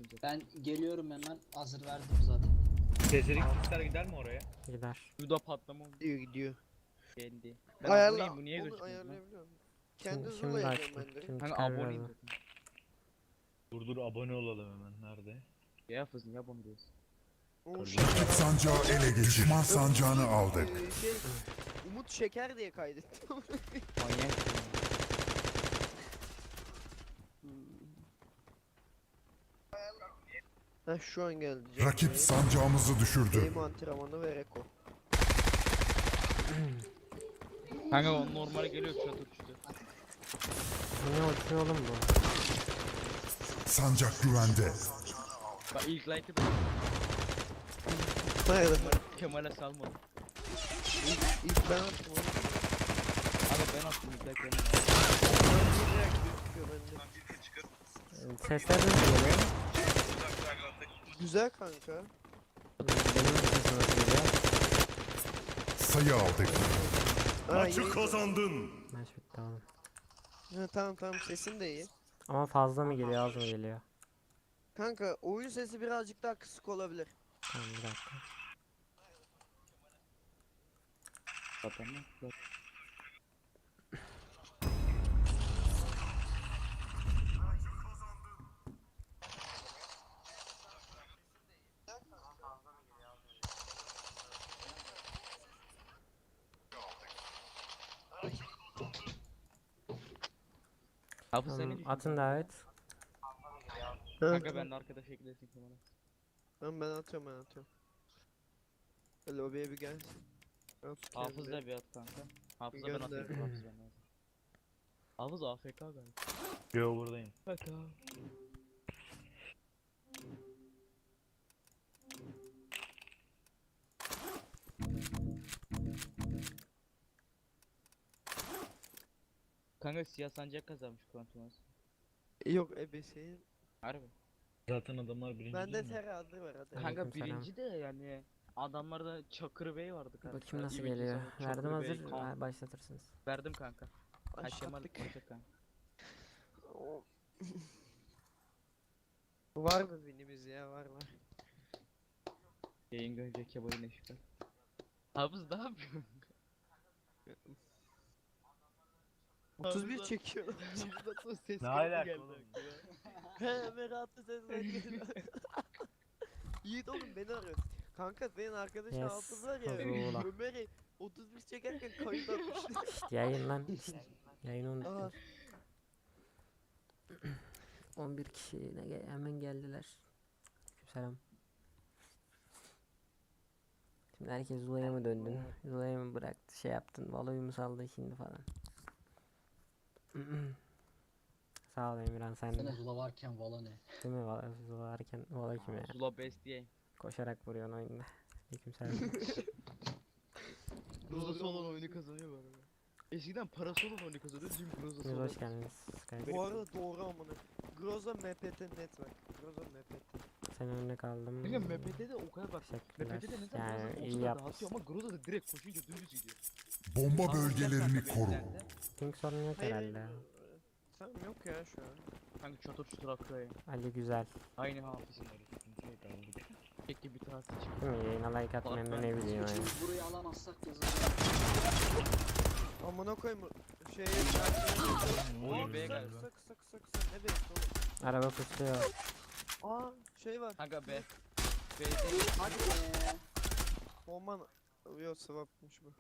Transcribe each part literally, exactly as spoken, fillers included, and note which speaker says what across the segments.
Speaker 1: zaten.
Speaker 2: Ben geliyorum hemen. Hazır verdim zaten.
Speaker 3: Gecelik kuşlar gider mi oraya?
Speaker 4: Gider.
Speaker 1: Bu da patlama oldu.
Speaker 5: Gidiyor gidiyor.
Speaker 1: Geldi. Ben
Speaker 5: Ayarla.
Speaker 1: aboneyim, bu niye
Speaker 5: Onu
Speaker 1: gözükmüyor lan?
Speaker 5: ayarlayabiliyorum. Kendi
Speaker 4: Şimdi,
Speaker 5: hızıyla
Speaker 4: şimdi
Speaker 5: yapıyorum
Speaker 4: açtım.
Speaker 5: ben direkt.
Speaker 4: Şimdi
Speaker 1: Kanka
Speaker 4: çıkar
Speaker 1: aboneyim
Speaker 4: birazdan.
Speaker 1: zaten.
Speaker 3: Dur dur abone olalım hemen. Nerede?
Speaker 1: Ya hafızın ya bunu diyorsun.
Speaker 5: O
Speaker 6: Rakip sancağı ele geçir. Düşman sancağını aldık.
Speaker 5: Ee, şey, Umut Şeker diye kaydettim.
Speaker 1: Manyak.
Speaker 5: Ha şu an geldi. canım.
Speaker 6: Rakip sancağımızı düşürdü.
Speaker 5: Benim antrenmanı ve Reko.
Speaker 1: Kanka o normal geliyor çatır çatır.
Speaker 4: Ne uçuyor oğlum bu?
Speaker 6: Sancak güvende.
Speaker 1: Bak ilk like'ı da
Speaker 5: Nerede?
Speaker 1: Kemal'e salmadım.
Speaker 5: İlk, ilk ben attım onu.
Speaker 1: Abi ben attım ilk like'ı.
Speaker 5: Bir react gözüküyor bende.
Speaker 4: Sesler nasıl geliyor?
Speaker 5: Güzel kanka.
Speaker 4: Benim sesim nasıl geliyor?
Speaker 6: Sayı aldık.
Speaker 5: Ha,
Speaker 7: Maçı
Speaker 5: iyi.
Speaker 7: kazandın.
Speaker 4: Maç bitti tamam.
Speaker 5: Ha, tamam tamam sesin de iyi.
Speaker 4: Ama fazla mı geliyor az mı geliyor?
Speaker 5: Kanka oyun sesi birazcık daha kısık olabilir.
Speaker 4: Tamam bir dakika.
Speaker 1: Zaten mi? Hafız sen ne
Speaker 4: Tamam,
Speaker 1: düşünüyorsun?
Speaker 4: atın davet.
Speaker 1: Kanka ben de arkadaş eklesin Kemal'e.
Speaker 5: Tamam ben atıyorum ben atıyorum. Lobiye bir gel. At
Speaker 1: Hafız
Speaker 5: kendi.
Speaker 1: da bir at kanka. Hafız'a ben
Speaker 5: Gönder.
Speaker 1: atıyorum. Hafız ben lazım. Hafız A F K galiba.
Speaker 3: Yo buradayım.
Speaker 1: A F K. Kanka siyah sancak kazanmış Kuantumaz.
Speaker 5: Yok ebeseyim.
Speaker 1: Harbi.
Speaker 3: Zaten adamlar birinci
Speaker 5: Bende
Speaker 3: değil mi?
Speaker 5: terazi var hadi.
Speaker 1: Kanka
Speaker 4: Aleykümselam.
Speaker 1: birinci de yani adamlarda Çakır Bey vardı kanka.
Speaker 4: Bakayım nasıl
Speaker 1: İyi bir
Speaker 4: geliyor.
Speaker 1: kızı,
Speaker 4: Verdim
Speaker 1: Çakır Bey,
Speaker 4: hazır.
Speaker 1: Kaan.
Speaker 4: Ha, başlatırsınız.
Speaker 1: Verdim kanka. Ay Kemal
Speaker 5: Başlattık.
Speaker 1: konuşacak kanka.
Speaker 5: O- Var mı binimiz ya var var.
Speaker 1: Yayın görünce Kemal'in eşikler. Hafız ne yapıyorsun?
Speaker 5: otuz bir
Speaker 1: Hafızlar-
Speaker 5: çekiyor.
Speaker 1: Hafızda ses
Speaker 3: Ne
Speaker 1: geldi
Speaker 3: alaka
Speaker 1: geldi
Speaker 3: oğlum?
Speaker 5: He Merat'ta sesler geliyor. Yiğit oğlum beni arıyor. Kanka senin arkadaşın
Speaker 4: Yes,
Speaker 5: Hafız var ya.
Speaker 4: Fazla.
Speaker 5: Ömer'i otuz bir çekerken kayıt atmış.
Speaker 4: Şşt, yayın lan. Şşt, yayını
Speaker 5: Aa,
Speaker 4: unuttum. on bir kişi ne gel- hemen geldiler. Selam. Şimdi herkes Zula'ya mı döndün? Zula'ya mı bıraktı şey yaptın? Valo'yu mu saldı şimdi falan. Sağ ol Emirhan sen
Speaker 2: Sene
Speaker 4: de.
Speaker 2: Zula varken Vala ne?
Speaker 4: Değil mi? Valo, Zula varken Valo kim ya?
Speaker 1: Zula best diye.
Speaker 4: Koşarak vuruyorsun oyunda. Aleykümselam.
Speaker 1: Grozası olan oyunu kazanıyor bu arada. Eskiden parası olan oyunu kazanıyor, şimdi grozası
Speaker 4: Siz
Speaker 1: olan.
Speaker 4: hoş geldiniz. Skype.
Speaker 5: bu arada doğru amına. Groza M P T Network. Groza M P T.
Speaker 4: Sen önüne kaldım.
Speaker 1: Kanka M P T'de o kadar bak.
Speaker 4: Teşekkürler.
Speaker 1: M P T'de ne zaman
Speaker 4: Yani
Speaker 1: bazen
Speaker 4: iyi
Speaker 1: o kadar
Speaker 4: yapmışsın.
Speaker 1: dağıtıyor ama Groza da direkt koşunca dümdüz gidiyor.
Speaker 6: Bomba
Speaker 1: Anlatacağım
Speaker 6: bölgelerini
Speaker 1: kanka
Speaker 6: koru.
Speaker 1: beklerde.
Speaker 4: Ping sorun yok
Speaker 5: Hayır.
Speaker 4: herhalde.
Speaker 5: Tamam yok ya şu an.
Speaker 1: Kanka çatır çatır akıyor ya.
Speaker 4: Ali güzel.
Speaker 1: Aynı hafızın Peki bir tatil çıkıyor.
Speaker 4: Değil mi? Yayına like atmayan da ne bileyim yani.
Speaker 2: Şimdi burayı alamazsak yazılır.
Speaker 5: Amına koyayım şey
Speaker 1: Oğlum
Speaker 5: Aa,
Speaker 1: B
Speaker 5: kısa,
Speaker 1: galiba.
Speaker 5: kısa kısa kısa kısa ne bekliyor oğlum?
Speaker 4: Araba kusuyor.
Speaker 5: Aa şey var.
Speaker 1: Kanka B. B'de
Speaker 2: Hadi be.
Speaker 5: Oman yok swapmış bu.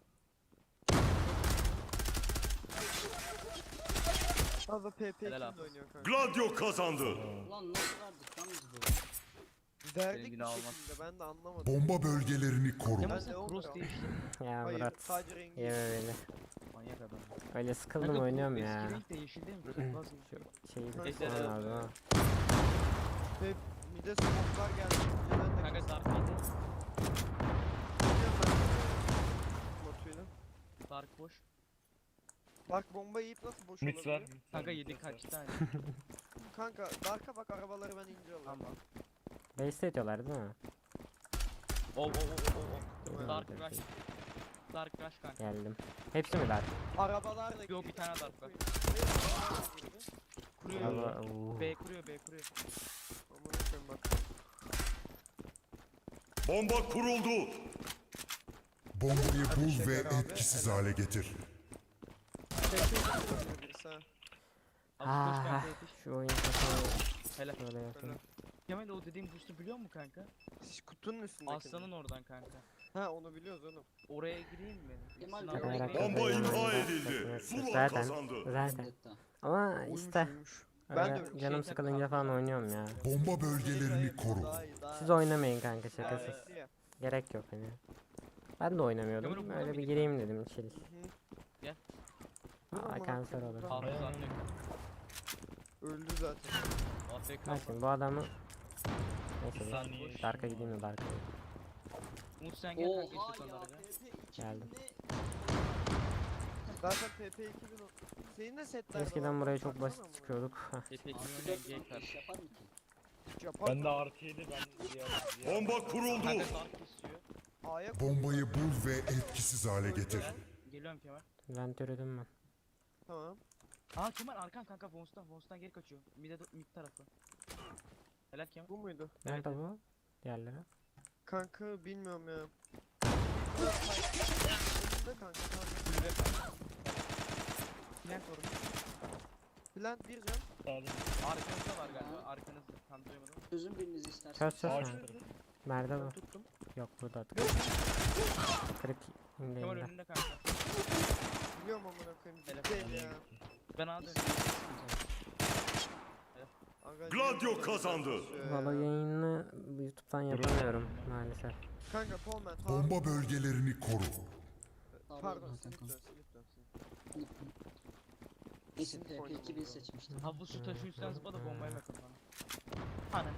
Speaker 5: Abi P P
Speaker 1: Helal
Speaker 5: kimle
Speaker 1: abi.
Speaker 5: oynuyor kanka?
Speaker 7: Gladio kazandı.
Speaker 2: Ulan nasıl verdik lan biz böyle?
Speaker 5: Verdik bir
Speaker 1: günah olmaz.
Speaker 5: şekilde ben de anlamadım.
Speaker 6: Bomba bölgelerini koru.
Speaker 1: Kemal
Speaker 5: Ben de
Speaker 1: sen
Speaker 5: on
Speaker 1: cross
Speaker 5: lira.
Speaker 1: değişti.
Speaker 4: Ya
Speaker 5: Hayır
Speaker 4: Murat.
Speaker 5: sadece rengi.
Speaker 4: Yeme beni.
Speaker 1: Manyak adam.
Speaker 4: Öyle sıkıldım
Speaker 1: Kanka bu
Speaker 4: oynuyorum ya.
Speaker 1: Eski renk de yeşil değil mi? Nasıl?
Speaker 4: Şeyi
Speaker 5: Neyse,
Speaker 4: bitirmem
Speaker 1: evet.
Speaker 4: lazım ha.
Speaker 5: Ve bir de smoke'lar geldi. Önceden de
Speaker 1: Kanka Dark yedi.
Speaker 5: Biliyorum ben. Botuyla.
Speaker 1: Dark boş.
Speaker 5: Bak bomba yiyip nasıl boş
Speaker 3: Mix var.
Speaker 5: olabilir?
Speaker 1: Kanka yedi kaç tane?
Speaker 5: Kanka Dark'a bak arabaları ben ince alıyorum.
Speaker 1: Tamam.
Speaker 4: Base ediyorlar değil mi?
Speaker 1: O o o o o.
Speaker 5: Evet.
Speaker 1: Dark rush. Dark rush kanka.
Speaker 4: Geldim. Hepsi mi dar?
Speaker 5: Arabalar da
Speaker 1: Yok, bir tane Dark var.
Speaker 5: Kuruyor.
Speaker 1: Kuruyor.
Speaker 4: Araba, uuu.
Speaker 1: B kuruyor B kuruyor.
Speaker 5: Amına koyayım bak
Speaker 7: Bomba kuruldu.
Speaker 6: Bombayı bul
Speaker 1: şeker
Speaker 6: ve
Speaker 1: abi,
Speaker 6: etkisiz
Speaker 1: helal.
Speaker 6: hale getir.
Speaker 1: Tekrar birisi ha.
Speaker 5: Abi koş
Speaker 4: Ah,
Speaker 5: kanka yetiş.
Speaker 4: şu oyun kafayı
Speaker 5: Helal.
Speaker 4: şöyle yapayım.
Speaker 5: Kemal o dediğim boost'u biliyor musun kanka?
Speaker 1: Siz kutunun üstündeki.
Speaker 5: Aslanın oradan kanka.
Speaker 1: Ha onu biliyoruz oğlum.
Speaker 5: Oraya gireyim mi?
Speaker 2: Kemal
Speaker 5: Sınav-
Speaker 2: Bey,
Speaker 4: Takarak
Speaker 7: Bomba
Speaker 4: kafayı
Speaker 7: imha
Speaker 4: yanında
Speaker 7: edildi.
Speaker 4: takıyoruz.
Speaker 7: Zula
Speaker 4: Zaten,
Speaker 7: kazandı.
Speaker 4: zaten.
Speaker 2: Vendetta.
Speaker 4: Ama
Speaker 1: Uyumuş
Speaker 4: işte
Speaker 1: uyumuş. Ben de
Speaker 4: öyle
Speaker 1: öyle.
Speaker 4: canım sıkılınca falan oynuyorum ya.
Speaker 6: Bomba bölgelerini koru.
Speaker 1: Daha iyi, daha
Speaker 4: Siz
Speaker 1: iyi.
Speaker 4: oynamayın kanka
Speaker 1: Daha
Speaker 4: şakasız.
Speaker 1: iyi ya.
Speaker 4: Gerek yok hani. Ben de oynamıyordum.
Speaker 5: Kemal burada
Speaker 4: Öyle bir
Speaker 5: mıydı
Speaker 4: gireyim dedim chill.
Speaker 1: Hı.
Speaker 5: Gel.
Speaker 4: Aa kanser olur.
Speaker 1: Tamam.
Speaker 5: Hafız anlıyor.
Speaker 1: Öldü zaten.
Speaker 5: A F K.
Speaker 4: Bak şimdi bu adamı... Neyse
Speaker 3: Saniye
Speaker 4: dur. Dark'a gideyim de Dark'a.
Speaker 5: Umut sen gel kanka
Speaker 2: Oha
Speaker 5: işte
Speaker 2: ya
Speaker 5: onlara.
Speaker 2: P P iki
Speaker 4: Geldim.
Speaker 2: bin ne?
Speaker 1: Zaten P P iki bin o. Senin de setler
Speaker 4: Eskiden buraya çok basit çıkıyorduk.
Speaker 5: T P iki
Speaker 2: Abi
Speaker 5: oynayan
Speaker 2: dört
Speaker 5: gay
Speaker 2: lan
Speaker 5: kart.
Speaker 2: iş yapar mı ki?
Speaker 1: Yapar.
Speaker 3: Ben de artı yedi ben diğer, diğer
Speaker 7: Bomba kuruldu.
Speaker 5: Kanka dark kesiyor.
Speaker 1: A'ya
Speaker 6: Bombayı bul ve etkisiz hale getir.
Speaker 5: Geliyorum Kemal.
Speaker 4: Ben türedim ben.
Speaker 1: Tamam.
Speaker 5: Aa Kemal arkan kanka Vons'tan Vons'tan geri kaçıyor. Mid, mid tarafı. Helal Kemal.
Speaker 1: Bu muydu?
Speaker 4: Nerede bu? Diğerleri.
Speaker 1: Kanka bilmiyorum ya. Önünde kanka. Tamam.
Speaker 5: Plant var.
Speaker 1: Plant bir can.
Speaker 3: sağda.
Speaker 5: Arkanızda var galiba. Arkanızda. Tam duyamadım.
Speaker 2: Çözün biriniz istersen.
Speaker 4: Çöz çöz.
Speaker 3: Ağaç
Speaker 4: Ha.
Speaker 3: tarafı.
Speaker 4: Nerede
Speaker 1: Ben
Speaker 4: bu?
Speaker 1: tuttum.
Speaker 4: Yok burada. Kırık indi
Speaker 5: Kemal
Speaker 4: indi.
Speaker 5: önünde kanka.
Speaker 1: Biliyorum amına koyayım.
Speaker 5: Hele.
Speaker 1: Değil ya.
Speaker 5: Ben A döndüm.
Speaker 1: Aga,
Speaker 7: Gladio
Speaker 1: yürü.
Speaker 7: kazandı.
Speaker 1: Ee,
Speaker 4: Valo yayını YouTube'dan yapamıyorum maalesef.
Speaker 1: Kanka Polman.
Speaker 6: Bomba bölgelerini koru.
Speaker 1: Pardon.
Speaker 2: Hakan.
Speaker 1: Slip dön, slip dön, slip.
Speaker 2: Kesin P P iki bin seçmiştim.
Speaker 5: Ha bu su taşı üstten zıpla da bombayı bakın bana. Ananı.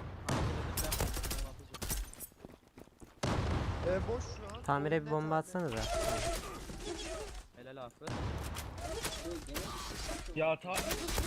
Speaker 1: Ee, boş şu an.
Speaker 4: Tamire bir
Speaker 1: Net
Speaker 4: bomba
Speaker 1: abi.
Speaker 4: atsanıza.
Speaker 5: Helal Hafız.
Speaker 2: Böyle gene bir şey satıyor.
Speaker 3: Ya ta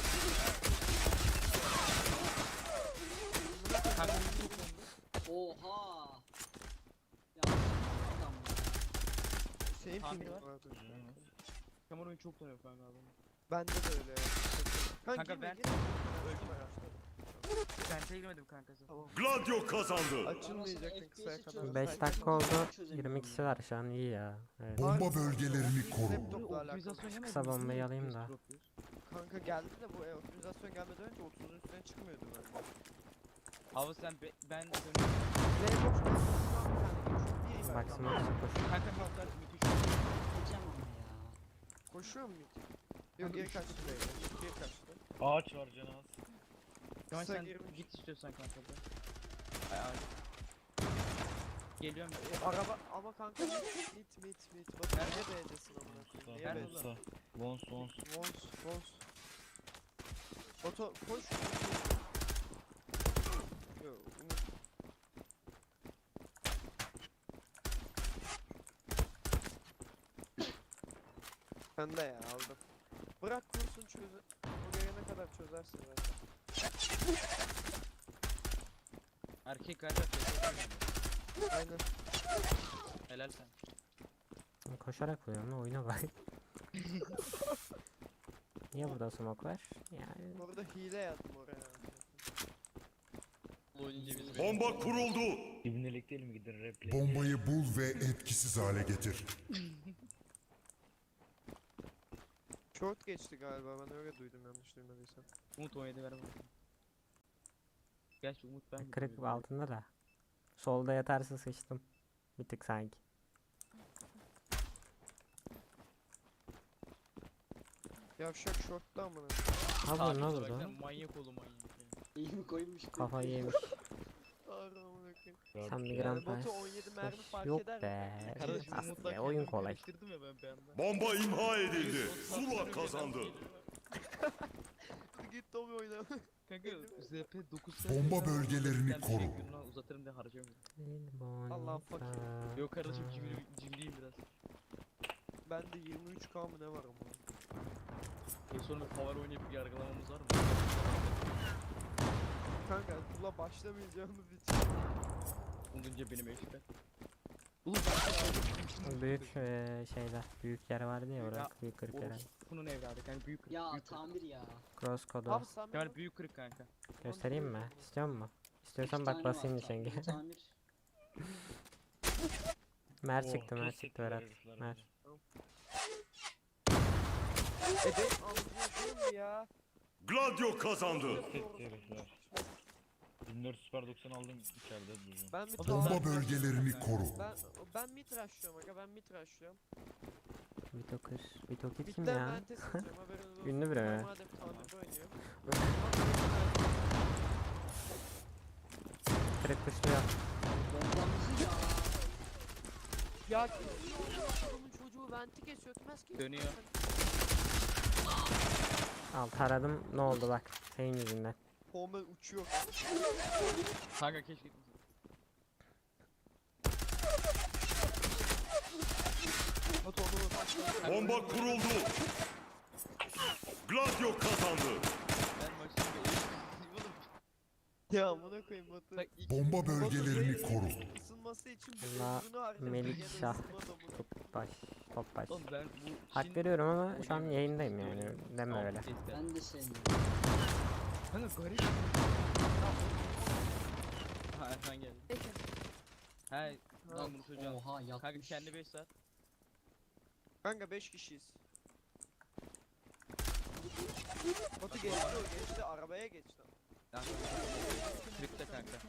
Speaker 5: Kanka
Speaker 2: Oha. Ya adam ya.
Speaker 1: Şeyin
Speaker 5: Tamir
Speaker 1: pingi
Speaker 5: var.
Speaker 1: var.
Speaker 5: Kemal oyun çok tanıyor kanka abi.
Speaker 1: Bende de öyle ya. Kanka,
Speaker 5: Kanka
Speaker 1: girme,
Speaker 5: ben-
Speaker 1: girme. Öldüm araçta.
Speaker 5: Ben şey girmedim kankası.
Speaker 1: Tamam.
Speaker 7: Gladio kazandı.
Speaker 1: Açılmayacaktın kısaya kadar.
Speaker 4: beş dakika oldu. yirmi kişi var şu an iyi ya. Evet.
Speaker 6: Bomba bölgelerini koru.
Speaker 1: Laptopla alakalı.
Speaker 4: Kısa bombayı alayım da.
Speaker 1: Kanka geldi de bu e, optimizasyon gelmeden önce otuzun üstüne çıkmıyordu bende.
Speaker 5: Abi sen be, ben dönüyorum.
Speaker 1: Ne boş ver. Şu an bir tane geçiyor. Bir iyi ver.
Speaker 4: Bak smoke koş.
Speaker 5: Kanka noktalar müthiş.
Speaker 2: Geçeceğim ama ya.
Speaker 1: Koşuyor mu hiç? Yok geri kaçtı. Geri kaçtı.
Speaker 3: ağaç var canaz.
Speaker 5: Kemal
Speaker 1: Kısa
Speaker 5: sen
Speaker 1: girmiş.
Speaker 5: git istiyorsan kanka da. Ay ay. Geliyorum ben.
Speaker 1: E, araba ama kanka mit mit mit mit. Bak niye B'desin amına koyayım? Niye
Speaker 5: Nerede
Speaker 1: B'desin?
Speaker 5: ulan?
Speaker 3: Vons vons.
Speaker 1: Vons vons. Oto koş. Yo, Umut. Ben de ya aldım. Bırak kursun çözü. O gelene kadar çözersin zaten.
Speaker 5: Erkek galiba teşekkür
Speaker 1: Aynen.
Speaker 5: Helal sen.
Speaker 4: Koşarak vuruyorum lan oyuna bak. Niye burada smoke var? Yani
Speaker 1: Orada hile yazdım oraya.
Speaker 7: Bomba kuruldu.
Speaker 3: İbnelik değil mi gidin replay?
Speaker 6: Bombayı bul ve etkisiz hale getir.
Speaker 1: Short geçti galiba ben öyle duydum yanlış duymadıysam.
Speaker 5: Umut on yedi ver bana. Gerçi Umut ben
Speaker 4: kırık altında da. Solda yatarsa sıçtım. Bir tık sanki.
Speaker 1: Yavşak short'ta amına.
Speaker 4: Abi ne oldu?
Speaker 5: Manyak oğlum manyak.
Speaker 2: İyi mi koymuş?
Speaker 4: Kafayı yemiş.
Speaker 1: Ağrı amına koyayım.
Speaker 4: Sen bir
Speaker 1: Yani
Speaker 4: gram
Speaker 1: botu
Speaker 4: pas.
Speaker 1: on yedi mermi fark
Speaker 4: Yok
Speaker 1: eder mi?
Speaker 4: be.
Speaker 5: Kardeşim
Speaker 4: Aslında
Speaker 5: Umut'la
Speaker 4: ya, oyun kolay.
Speaker 5: karıştırdım ya ben bir anda.
Speaker 7: Bomba imha edildi. Zula kazandı.
Speaker 1: Git Tommy oyna.
Speaker 5: Kanka Z P dokuz
Speaker 6: Bomba bölgelerini koru.
Speaker 5: Uzatırım diye harcamıyorum.
Speaker 1: Allah fakir.
Speaker 5: Yok kardeşim cimri, cimriyim biraz.
Speaker 1: Bende yirmi üç K mı ne var ama.
Speaker 5: E sonra bir power oynayıp yargılamamız var mı?
Speaker 1: Kanka kula başlamayacağımız için.
Speaker 5: Onunca benim eşitler. Ulan
Speaker 4: Büyük eee, şeyler. Büyük yer vardı ya orada. Büyük kırık yer.
Speaker 5: bunun evladı kanka büyük kırık.
Speaker 2: Ya
Speaker 5: büyük kırık.
Speaker 2: tamir ya.
Speaker 4: Cross kodu.
Speaker 1: Abi sen
Speaker 5: Kemal
Speaker 1: benim
Speaker 5: büyük kırık kanka.
Speaker 4: Göstereyim mi? İstiyor musun?
Speaker 2: İki
Speaker 4: İstiyorsan
Speaker 2: tane
Speaker 4: bak
Speaker 2: var
Speaker 4: basayım
Speaker 2: tamir,
Speaker 4: nişenge.
Speaker 2: Tamir.
Speaker 4: Mer
Speaker 3: Oh,
Speaker 4: çıktı, mer
Speaker 3: kes
Speaker 4: çıktı
Speaker 3: ettiler
Speaker 4: Berat.
Speaker 3: herifler
Speaker 4: Mer.
Speaker 3: bizi.
Speaker 1: E ben anlıyorum ya.
Speaker 7: Gladio kazandı.
Speaker 3: Kes etti herifler. bin dört yüz Super doksan aldım içeride duruyorum.
Speaker 1: Ben bir
Speaker 6: Bomba
Speaker 1: tane
Speaker 6: bölgelerini koru.
Speaker 1: ben ben mid rushlıyorum aga ben mid rushlıyorum.
Speaker 4: Vitoker. Vitoker kim
Speaker 1: Midden
Speaker 4: ya?
Speaker 1: ben test atacağım haberiniz olsun.
Speaker 4: Ünlü biri
Speaker 1: Ben
Speaker 4: mi?
Speaker 1: madem tamirde oynuyorum.
Speaker 4: Direkt kışlıyor.
Speaker 2: Bombamızı ya.
Speaker 1: Ya adamın çocuğu venti kesiyor ötmez ki.
Speaker 8: Dönüyor.
Speaker 4: Al taradım, ne oldu bak. Senin yüzünden.
Speaker 1: Homer uçuyor.
Speaker 8: Kanka keşke gitmesin.
Speaker 1: At onu.
Speaker 7: Bomba kuruldu. Gladio kazandı.
Speaker 8: Ben maçın oğlum.
Speaker 1: Ya amına koyayım Batu.
Speaker 8: Bak iki
Speaker 6: Bomba bölgelerini koru.
Speaker 1: Isınması için
Speaker 4: Allah,
Speaker 1: bu harcadı.
Speaker 4: Melik
Speaker 1: Gene
Speaker 4: Şah.
Speaker 1: ısınmaz amına.
Speaker 4: Top baş. Top baş.
Speaker 8: oğlum ben bu
Speaker 4: Hak
Speaker 8: işin-
Speaker 4: veriyorum ama şu an
Speaker 8: Oynayamıyorum.
Speaker 4: yayındayım yani.
Speaker 8: Oynayamıyorum.
Speaker 4: Deme
Speaker 8: Tamam,
Speaker 4: öyle.
Speaker 8: neyse.
Speaker 2: Ben de sevmiyorum.
Speaker 8: Kanka garip. Ha Erkan geldi. He lan bunu çocuğa.
Speaker 2: Oha
Speaker 8: Kanka
Speaker 2: yatmış.
Speaker 8: kendi beş saat.
Speaker 1: Kanka beş kişiyiz. Batu geçti o geçti arabaya geçti.
Speaker 8: Bitti kanka.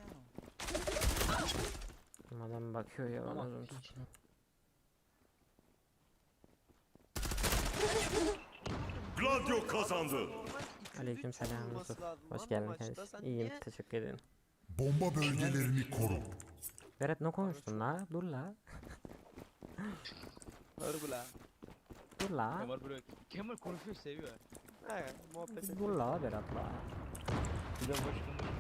Speaker 4: Adam bakıyor ya bana.
Speaker 2: Ama
Speaker 4: uzun
Speaker 2: hiç-
Speaker 4: tut.
Speaker 7: Gladio kazandı.
Speaker 4: Aleykümselam Yusuf. Hoş geldin kardeşim. İyiyim, teşekkür ederim.
Speaker 6: Bomba bölgelerini koru.
Speaker 4: Berat ne konuştun la? Dur la.
Speaker 8: Harbi la.
Speaker 4: Dur la.
Speaker 8: Kemal böyle. Kemal konuşuyor seviyor.
Speaker 1: He muhabbet et.
Speaker 4: Dur la Berat la.
Speaker 3: Bir de başkanlık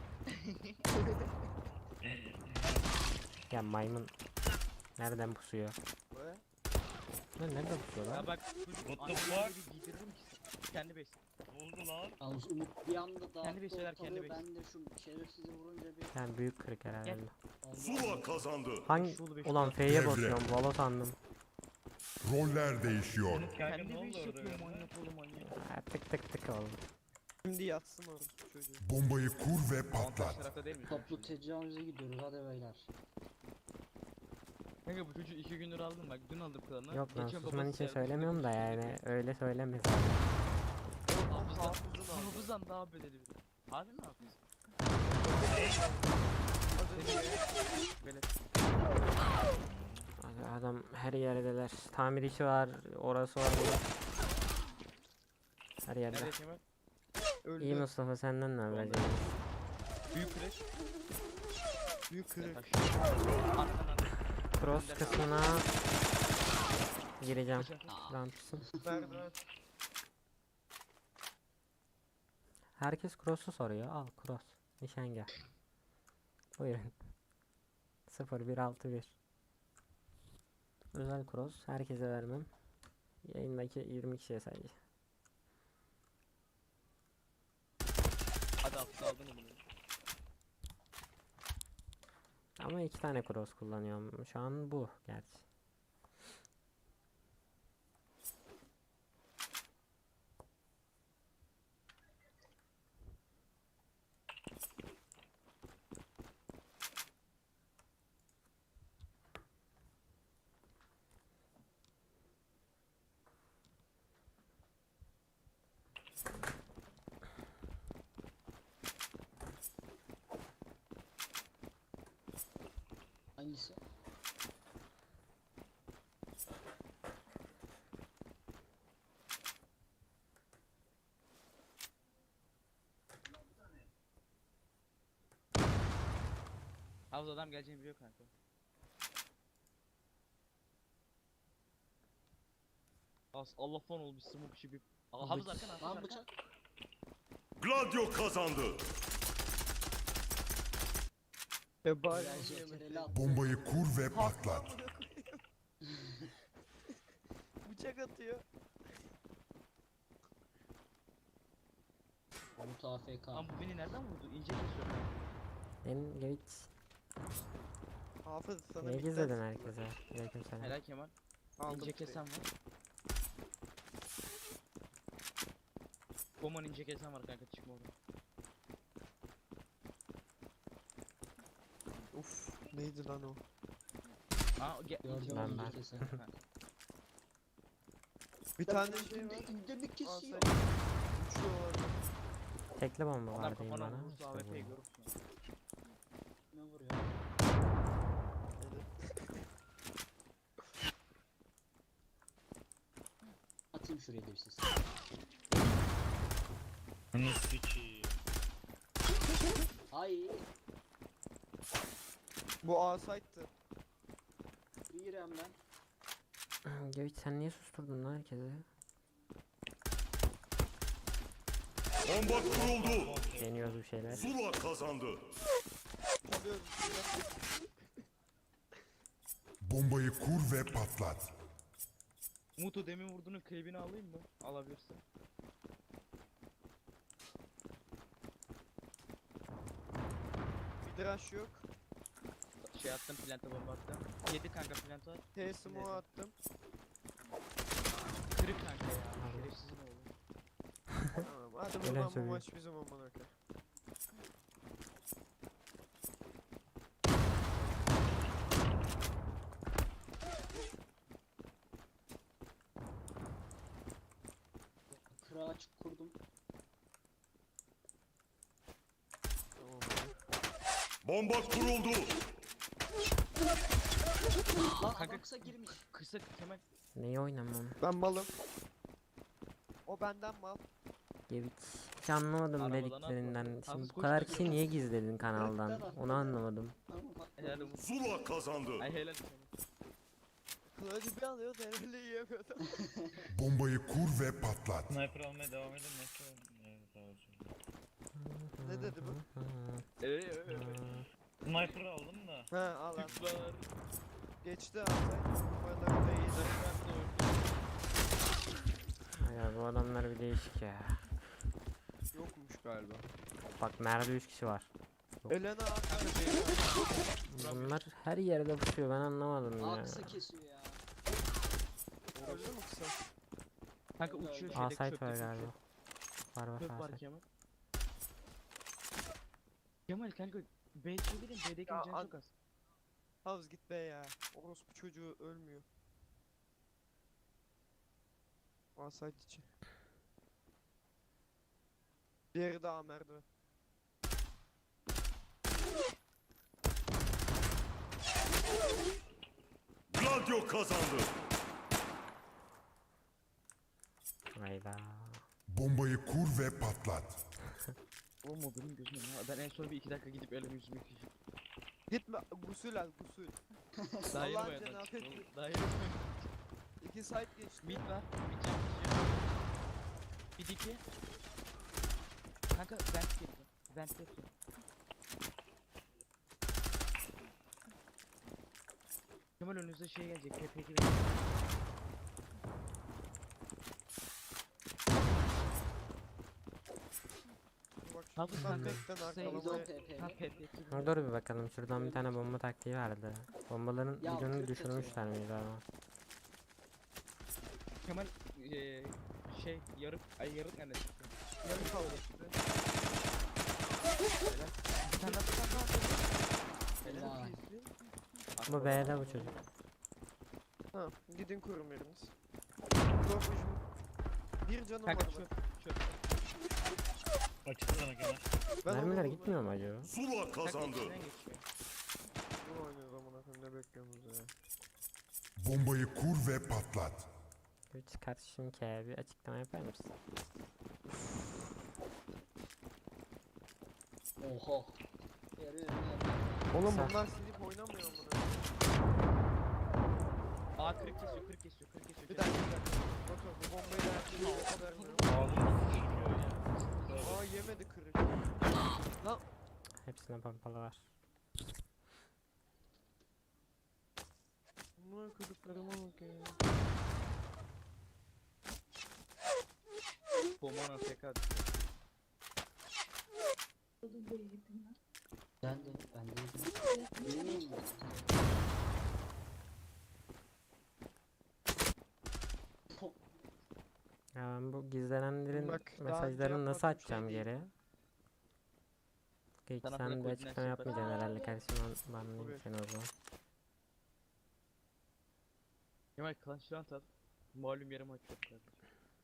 Speaker 4: Ya maymun. Nereden pusuyor?
Speaker 1: Böyle.
Speaker 4: Lan nereden pusuyor lan?
Speaker 8: Ya bak çocuk
Speaker 3: What the
Speaker 8: anneleri
Speaker 3: fuck?
Speaker 8: bir giydiririm ki. Kendi beş.
Speaker 3: Ne oldu lan?
Speaker 2: Yalnız Umut bir anda dağıttı
Speaker 8: Kendi beş şeyler, kendi
Speaker 2: ortalığı,
Speaker 8: beş.
Speaker 2: ben de şu şerefsizi vurunca bir
Speaker 4: Yani büyük kırık herhalde.
Speaker 8: Gel.
Speaker 7: Zula kazandı.
Speaker 4: Hangi?
Speaker 8: Şulu beş
Speaker 4: Ulan
Speaker 8: tane.
Speaker 4: F'ye
Speaker 6: Devre.
Speaker 4: basıyorum. Valo sandım.
Speaker 6: Roller değişiyor.
Speaker 3: Kanka ne
Speaker 8: Kendi
Speaker 3: oldu
Speaker 8: beş
Speaker 3: orada
Speaker 8: yapıyor
Speaker 3: öyle?
Speaker 8: manyak oğlum manyak.
Speaker 4: Ha, tık tık tık oldu.
Speaker 1: Şimdi yatsın orası çocuğu.
Speaker 6: Bombayı kur ve
Speaker 8: Avantaj
Speaker 6: patlat.
Speaker 8: tarafta değil mi?
Speaker 2: toplu tecavüze gidiyoruz hadi beyler.
Speaker 8: Kanka bu çocuğu iki gündür aldım bak dün aldım klanı.
Speaker 4: Yok lan
Speaker 8: Geçen
Speaker 4: susman
Speaker 8: babası
Speaker 4: için
Speaker 8: geldi,
Speaker 4: söylemiyorum da
Speaker 8: babası
Speaker 4: yani
Speaker 8: geldi.
Speaker 4: öyle söyleme.
Speaker 8: Hafızdan,
Speaker 1: Hafızın aldı.
Speaker 8: hafızdan daha bedeli bir de. Harbi mi hafız? Böyle
Speaker 4: Abi adam her yerdeler. Tamir işi var, orası var, burası. Her yerde.
Speaker 8: nerede Kemal?
Speaker 1: Öldü.
Speaker 4: İyi Mustafa senden ne haber
Speaker 8: Vallahi.
Speaker 4: canım?
Speaker 8: Büyük kreş.
Speaker 1: Büyük kırık.
Speaker 8: Arkadan
Speaker 4: Cross kısmına gireceğim.
Speaker 8: Kaçar.
Speaker 4: Rampsın.
Speaker 1: Merdiven.
Speaker 4: Herkes cross'u soruyor. Al cross. Nişangah. Buyurun. sıfır bir altı bir. Özel cross. Herkese vermem. Yayındaki yirmi kişiye sadece.
Speaker 8: Hadi hafız aldın mı bunu?
Speaker 4: Ama iki tane cross kullanıyorum. Şu an bu gerçi.
Speaker 2: Hangisi?
Speaker 8: Havuz adam geleceğini biliyor kanka. As Allah falan ol bir smoke işi bir. Aa, havuz
Speaker 2: Bıç-
Speaker 8: arkana havuz
Speaker 2: Lan
Speaker 8: arkana.
Speaker 2: bıçak.
Speaker 7: Gladio kazandı.
Speaker 1: Ya bari
Speaker 2: Helal
Speaker 1: onu
Speaker 2: şey,
Speaker 1: yemesin.
Speaker 2: tereli attı.
Speaker 6: Bombayı kur ve patlat.
Speaker 1: Amına koyayım. Bıçak atıyor.
Speaker 2: Umut A F K.
Speaker 8: Lan bu beni nereden vurdu? İnce kesiyor.
Speaker 4: Benim geç.
Speaker 1: Hafız sana
Speaker 4: Ne
Speaker 1: bir
Speaker 4: gizledin
Speaker 1: tane
Speaker 4: herkese? Aleykümselam.
Speaker 8: Helal Kemal.
Speaker 1: aldım.
Speaker 8: İnce kesen var. Koman ince kesen var kanka çıkma oradan.
Speaker 1: Uf. Ne Neydi lan o?
Speaker 8: Aa ge
Speaker 2: Gördüm
Speaker 4: Ben-
Speaker 2: onu
Speaker 4: ben.
Speaker 2: bir kesin.
Speaker 1: Bir tane şey var.
Speaker 2: Üstünde bir kesiyor.
Speaker 1: Alsaydı. Uçuyor orada.
Speaker 4: Tekli bomba
Speaker 8: Adam
Speaker 4: var diyeyim
Speaker 8: kafana
Speaker 4: bana.
Speaker 8: vurursa
Speaker 4: İşte
Speaker 8: A W P'yi
Speaker 4: bu.
Speaker 8: görürsün.
Speaker 2: Ne vuruyor? Atayım şuraya da bir ses.
Speaker 3: Ne sikiyi.
Speaker 2: Ay.
Speaker 1: Bu A-Site'tı.
Speaker 2: İrem ben.
Speaker 4: Geviç sen niye susturdun lan herkesi?
Speaker 7: Bomba kuruldu.
Speaker 4: Deniyoruz bir şeyler.
Speaker 7: Zula kazandı.
Speaker 1: Çalıyoruz.
Speaker 6: Bombayı kur ve patlat.
Speaker 8: Mutu demin vurduğunun klibini alayım mı? Alabilirsin.
Speaker 1: Bir draş yok.
Speaker 8: Şey attım, planta bomba attım. Yedi kanka planta.
Speaker 1: T-Smoke attım.
Speaker 8: Kırık kanka ya. Şerefsizin oğlu.
Speaker 1: Tamam. Hadi
Speaker 4: Öyle
Speaker 1: buradan bu
Speaker 4: söyleyeyim.
Speaker 1: maç bizim amına koyayım.
Speaker 2: Kıra açık kurdum.
Speaker 1: Tamam.
Speaker 7: Bomba kuruldu.
Speaker 2: Lan
Speaker 8: Kanka-
Speaker 2: adam kısa girmiş.
Speaker 8: Kısa Kemal.
Speaker 4: Neyi oynamam?
Speaker 1: Ben malım. O benden mal.
Speaker 4: Geviç. Hiç anlamadım
Speaker 8: Arabadan
Speaker 4: dediklerinden.
Speaker 8: atladı.
Speaker 4: Şimdi
Speaker 8: Hafız
Speaker 4: bu kadar
Speaker 8: koştu.
Speaker 4: kişi niye gizledin kanaldan?
Speaker 2: Kırktan
Speaker 4: Onu anlamadım.
Speaker 2: Ama bak.
Speaker 8: Helal olsun.
Speaker 7: Zula kazandı.
Speaker 8: Ay helal Kemal.
Speaker 1: Kılıcı bir alıyor da herhalde yiyemiyordu.
Speaker 6: Bombayı kur ve patlat.
Speaker 3: Sniper almaya devam edin. Nasıl? Evet, sağ olsun.
Speaker 1: Ne dedi bu?
Speaker 8: Eee.
Speaker 3: Sniper aldım da.
Speaker 1: He al al.
Speaker 8: Tıklar.
Speaker 1: Geçti Altay. Numaraları da iyiydi.
Speaker 4: Ya bu adamlar bir değişik ya.
Speaker 1: Yokmuş galiba.
Speaker 4: Bak nerede üç kişi var.
Speaker 1: Elena at.
Speaker 4: Bunlar her yerde pusuyor ben anlamadım
Speaker 2: Aa
Speaker 4: ya.
Speaker 2: kısa kesiyor ya.
Speaker 1: Öldü mü kısa?
Speaker 8: Kanka
Speaker 2: Öldü,
Speaker 8: uçuyor
Speaker 2: öldü.
Speaker 8: şeydeki
Speaker 4: A-site
Speaker 8: çöpte
Speaker 4: var
Speaker 8: uçuyor.
Speaker 4: galiba. Var var
Speaker 8: Çöp var
Speaker 4: A-site.
Speaker 8: Kemal. Kemal kanka B'ye gidin B'deki
Speaker 1: Ya,
Speaker 8: can
Speaker 1: an-
Speaker 8: çok az.
Speaker 1: Havuz git be ya. Orospu çocuğu ölmüyor. Asayt için. Diğeri daha merdiven.
Speaker 7: Gladio kazandı.
Speaker 4: Hayda.
Speaker 6: Bombayı kur ve patlat.
Speaker 8: Oğlum o benim gözüm ya. Ben en son bir iki dakika gidip elimi yüzümü yıkayacağım.
Speaker 1: Gitme gusül al gusül.
Speaker 8: Daha yeni
Speaker 1: Allah'ın
Speaker 8: boyadan
Speaker 1: cenabı
Speaker 8: çıktı oğlum.
Speaker 1: etsin.
Speaker 8: Daha yeni boyadan.
Speaker 1: İki site geçti.
Speaker 8: Mid var. Mid can Bir diki. Kanka vent girdi. Vent yapıyor. Kemal önünüzde şey gelecek. P P gelecek.
Speaker 1: Bak
Speaker 8: Hafız
Speaker 1: şu
Speaker 8: kanka,
Speaker 1: bekten
Speaker 8: kısayı
Speaker 2: Biz o
Speaker 1: arkalamaya.
Speaker 2: P P.
Speaker 8: Ha P P.
Speaker 4: Ha, dur bir bakalım şuradan bir tane bomba taktiği vardı. Bombaların
Speaker 2: Ya,
Speaker 4: videonu
Speaker 2: kırk
Speaker 4: düşürmüşler miydi ama?
Speaker 8: Kemal eee şey yarık ay yarık nerede çıktı?
Speaker 1: Yarı kaldı işte.
Speaker 8: Bir tane daha bir tane daha.
Speaker 2: Helal.
Speaker 4: Bu B'de bu çocuk.
Speaker 1: Ha gidin kurun biriniz. Korkucum. Bir canım var
Speaker 8: Kanka
Speaker 1: bak.
Speaker 8: çöp çöp.
Speaker 3: Açık sana Kemal.
Speaker 1: Ben
Speaker 4: Mermiler
Speaker 1: onu
Speaker 4: gitmiyor mu acaba?
Speaker 7: Zula
Speaker 8: Kanka
Speaker 7: kazandı.
Speaker 8: içinden geçiyor.
Speaker 1: Bunu oynuyoruz amına koyayım ne bekliyorsunuz ya.
Speaker 6: Bombayı kur ve patlat.
Speaker 4: Geviç kardeşim ki bir açıklama yapar mısın?
Speaker 2: Oho. Yarı yarı
Speaker 1: Oğlum
Speaker 4: Sen-
Speaker 1: bunlar silip oynamıyor amına.
Speaker 8: Aa kırık kesiyor kırık kesiyor kırık kesiyor.
Speaker 1: Bir dakika bir dakika. Bakın bu bombayı da herkese vermiyorum.
Speaker 3: Ağzım sıçrıyor ya.
Speaker 1: Aa yemedi kırık.
Speaker 4: Hepsine pompalı var.
Speaker 1: Bunlar kırıklarıma bak ya.
Speaker 8: Bomana tekrar.
Speaker 2: Ben de ben de. Bilmiyorum.
Speaker 4: Ya ben bu gizlenenlerin
Speaker 1: Bak, daha önce
Speaker 4: mesajlarını nasıl
Speaker 1: yapmadığım şey
Speaker 4: açacağım
Speaker 1: değil.
Speaker 4: geri? Başka hiç
Speaker 8: Sana
Speaker 4: sen
Speaker 8: bırak
Speaker 4: bir
Speaker 8: koordinasyon
Speaker 4: açıklama
Speaker 8: yaparım.
Speaker 4: yapmayacaksın herhalde kardeşim. Ben banlayayım
Speaker 1: Tabii.
Speaker 4: seni o zaman.
Speaker 8: Kemal Clash Royale at. Malum yarım aç yok kardeşim.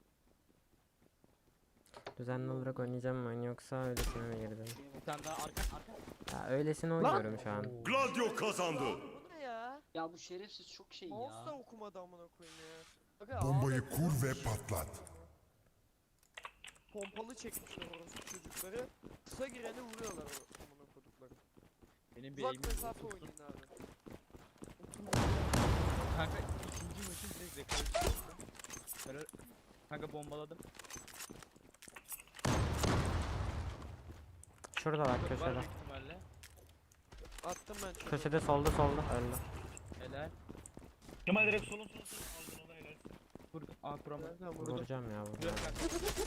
Speaker 4: Düzenli olarak oynayacağım mı oyunu yoksa öylesine mi girdim?
Speaker 8: Bir tane daha arka arka.
Speaker 4: Ya öylesine oynuyorum şu an.
Speaker 7: Gladio kazandı.
Speaker 5: Bu ne ya?
Speaker 2: Ya bu şerefsiz çok şey
Speaker 5: Mouse da
Speaker 2: ya.
Speaker 5: okumadı amına koyayım ya. Aga,
Speaker 6: Bombayı
Speaker 5: ağda
Speaker 6: kur ve
Speaker 5: bir şey
Speaker 6: patlat.
Speaker 5: Pompalı çekmişler orası çocukları. Kısa gireni vuruyorlar o amına kodukları.
Speaker 8: Benim bir
Speaker 5: Uzak
Speaker 8: eğimim
Speaker 5: mesafe
Speaker 8: yok.
Speaker 5: oynayın abi.
Speaker 8: Kanka ikinci maçın direkt rekoru çıktı. Böyle kanka bombaladım.
Speaker 4: Şurada bak
Speaker 8: Var
Speaker 4: köşede.
Speaker 8: büyük ihtimalle.
Speaker 5: Attım ben çocuğu.
Speaker 4: Köşede solda solda öldü.
Speaker 8: Helal.
Speaker 3: Kemal direkt solun solun solun. Aldın onu helal.
Speaker 8: Vur. Aa kurama.
Speaker 5: Nereden vurdum?
Speaker 4: Vuracağım ya bunu.
Speaker 8: Güzel kanka.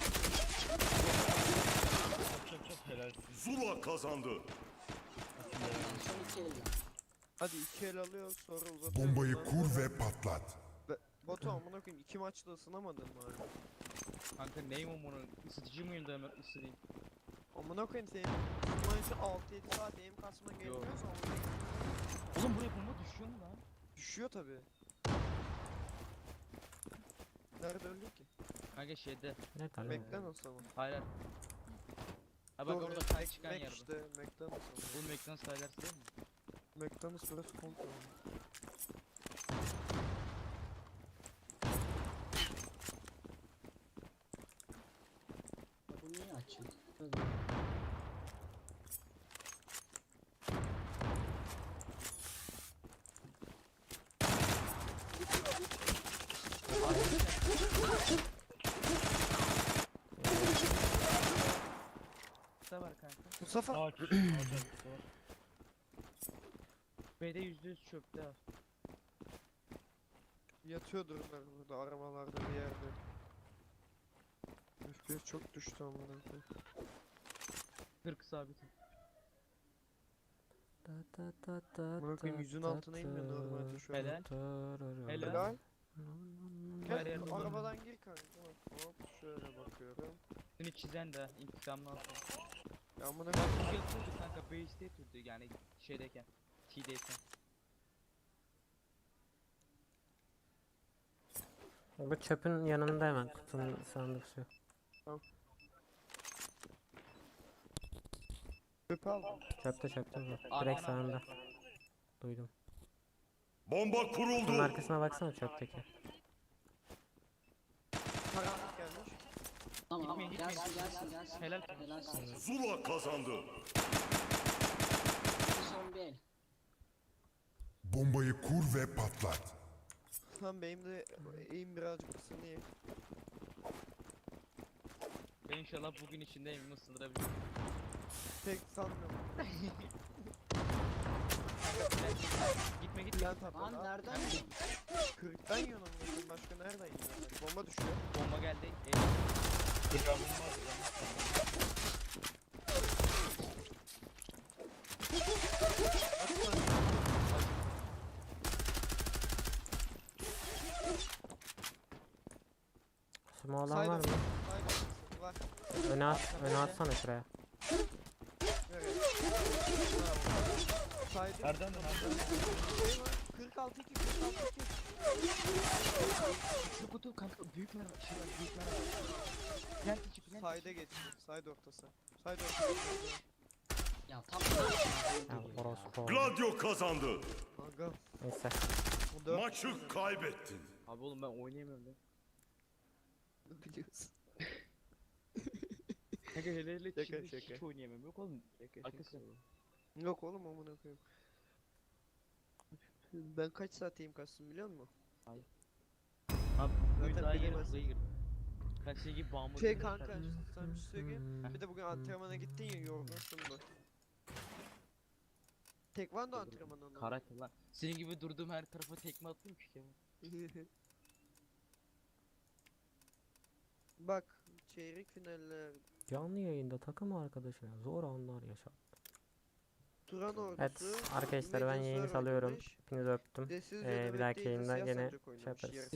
Speaker 3: Çok çok çok helalsin.
Speaker 7: Zula kazandı.
Speaker 2: Yani son iki elde.
Speaker 5: Hadi iki el alıyor sonra uzatıyor.
Speaker 6: Bombayı
Speaker 5: Ondan
Speaker 6: kur
Speaker 5: sonra-
Speaker 6: ve patlat.
Speaker 5: Be- Batu amına koyayım iki maçta ısınamadın mı hala?
Speaker 8: Kanka neyim o bunun? Isıtıcı mıyım da hemen ısırayım.
Speaker 5: Amına koyayım senin maçı altı yedi saat aim kasman gerekiyorsa amına koyayım.
Speaker 8: Oğlum buraya bomba düşüyor mu lan?
Speaker 5: Düşüyor tabi. Nerede öldü ki?
Speaker 8: Kanka şeyde.
Speaker 4: Ne
Speaker 5: McDonald's ama.
Speaker 8: Hayır. hayır. Ha bak
Speaker 5: Doğru,
Speaker 8: orada
Speaker 5: Mac-
Speaker 8: kay çıkan
Speaker 5: Mac
Speaker 8: yer bu.
Speaker 5: işte McDonald's ama.
Speaker 8: Bu McDonald's sayılar değil mi?
Speaker 5: McDonald's burası komple ama.
Speaker 2: Ya bu niye açık?
Speaker 8: Kısa var kanka.
Speaker 5: Mustafa
Speaker 3: Ağaç. Ağaç arkası var.
Speaker 8: B'de yüzde yüz çöpte var.
Speaker 5: yatıyordur bunlar burada aramalarda bir yerde. F P S çok düştü amına koyayım.
Speaker 8: kırk sabitim.
Speaker 5: Amına koyayım yüzün altına inmiyor normalde şu an.
Speaker 8: Helal. Helal.
Speaker 5: Helal.
Speaker 8: Her
Speaker 5: Gel
Speaker 8: yer dolu.
Speaker 5: arabadan gir kanka. Bak, hop şöyle bakıyorum.
Speaker 8: Seni çizen de intikamını alsın.
Speaker 5: Ya amına
Speaker 8: Bak
Speaker 5: koyayım.
Speaker 8: bu yatıyordu kanka base'de yatıyordu yani şeydeyken. T'deyken.
Speaker 4: Bu çöpün yanında hemen kutunun sandıkçı.
Speaker 5: Öp aldım.
Speaker 4: Çöpte çöpte bu.
Speaker 8: Ana,
Speaker 4: Direkt
Speaker 8: ana.
Speaker 4: sağında. Duydum.
Speaker 7: Bomba
Speaker 4: Bunun
Speaker 7: kuruldu.
Speaker 4: arkasına baksana çöpteki.
Speaker 5: Karanlık gelmiş.
Speaker 2: Tamam
Speaker 8: Gitmeyin, gitmeyin.
Speaker 2: gelsin gelsin gelsin.
Speaker 8: Helal.
Speaker 2: Helal sana.
Speaker 7: Zula kazandı.
Speaker 2: Son bir el.
Speaker 6: Bombayı kur ve patlat.
Speaker 5: Lan benim de eğim birazcık ısınıyor.
Speaker 8: Ben inşallah bugün içinde evimi ısındırabilirim.
Speaker 5: Pek sanmıyorum.
Speaker 8: Gitme gitme.
Speaker 5: Plan tabi.
Speaker 2: Lan nereden?
Speaker 5: kırktan yiyorsun amına koyayım. Başka nereden yiyorsun? Bomba düşüyor.
Speaker 8: Bomba geldi. E,
Speaker 3: Bir ramım var. ramım.
Speaker 4: Smoke olan
Speaker 5: Saydım.
Speaker 4: var mı?
Speaker 5: Saydım. Var.
Speaker 4: Öne at, öne atsana şuraya.
Speaker 5: Evet. Saydım.
Speaker 3: Nereden de nereden?
Speaker 5: Şey var. kırk altı iki kırk altı iki.
Speaker 8: Şu kutu kanka büyük merhaba. Şey var büyük merhaba. Plant içi plant
Speaker 5: Sayda geçti. Sayda ortası. Sayda ortası.
Speaker 2: Ya tam
Speaker 4: Ya orospu.
Speaker 7: Gladio kazandı.
Speaker 5: Kanka.
Speaker 4: Neyse.
Speaker 5: O dört
Speaker 7: Maçı kaybettin.
Speaker 8: Abi oğlum ben oynayamıyorum lan.
Speaker 5: biliyorsun.
Speaker 8: Kanka hele hele
Speaker 5: Şaka,
Speaker 8: Çin'de
Speaker 5: şaka.
Speaker 8: hiç oynayamıyorum. Yok oğlum. Arkası.
Speaker 5: Yok oğlum amına koyayım. Ben kaç saat eğim kastım biliyor musun?
Speaker 8: Abi
Speaker 5: Zaten
Speaker 8: bugün daha yeni
Speaker 5: bilemezsin.
Speaker 8: hızlıya girdim. Kaç şey gibi bağımlı.
Speaker 5: Şey
Speaker 8: gibi
Speaker 5: kanka
Speaker 8: kardeşim.
Speaker 5: sana bir şey söyleyeyim. Bir de bugün antrenmana gittin ya yorgunsun da. Tekvando antrenmanı ondan.
Speaker 8: Karakter lan. Senin gibi durduğum her tarafa tekme attım ki Kemal.
Speaker 5: Bak çeyrek finaller.
Speaker 4: Canlı yayında takım arkadaşına zor anlar yaşat.
Speaker 5: Turan ordusu.
Speaker 4: Evet arkadaşlar ben yayını
Speaker 5: Medius'lar
Speaker 4: salıyorum.
Speaker 5: oynamış.
Speaker 4: Hepinizi öptüm.
Speaker 5: Desiz
Speaker 4: Ee,
Speaker 5: ve
Speaker 4: bir dahaki
Speaker 5: Nöbet'te
Speaker 4: yayında
Speaker 5: Siyah
Speaker 4: gene
Speaker 5: Sancak
Speaker 4: şey
Speaker 5: oynamış,
Speaker 4: yaparız.
Speaker 5: yarı